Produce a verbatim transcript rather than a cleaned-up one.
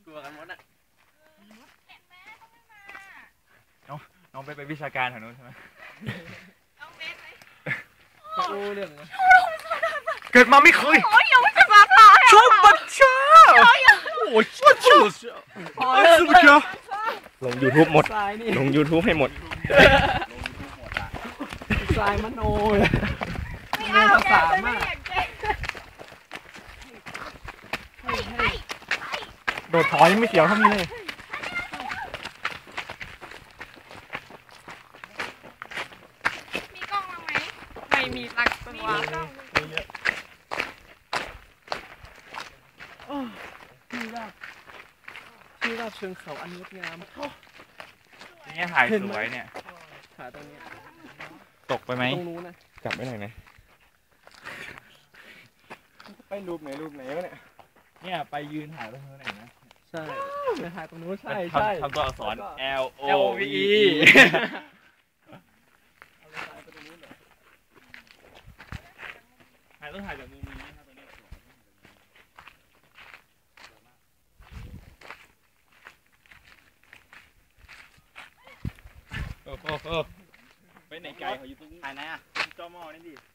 กลัวกันหมดอ่ะน้องน้องไปไปวิชาการแถวนู้นใช่ไหมน้องเบสไหมโอ้เรื่องเกิดมาไม่เคยโอ้ยยังไม่จะมาพาชอบบัตเชอร์โอ้ยบัตเชอร์สุดยอดลง YouTube หมดลง YouTube ให้หมดทรายมโนเลยไม่เอาภาษามากโดดถอยไม่เสียวเท่านี้เลยมีกล้องมาไหมไม่มีตักตัวที่ราบที่ราบเชิงเขาอันงดงามนี่ถ่ายสวยเนี่ยถ่ายตรงนี้ตกไปไหมตรงนู้นนะจับไม่ได้ไหมไปรูปไหนรูปไหนวะเนี่ยเนี่ยไปยืนถ่ายตรงนู้นไหนนะใช่ไปถ่ายตรงนู้นใช่ใช่ทำตัวอักษร L O V E ถ่ายต้องถ่ายจากมุมนี้นะครับตอนนี้โอ้โหไปไหนไกลเขาอยู่ตรงนี้ถ่ายไหนอ่ะจอมอนี่ดิ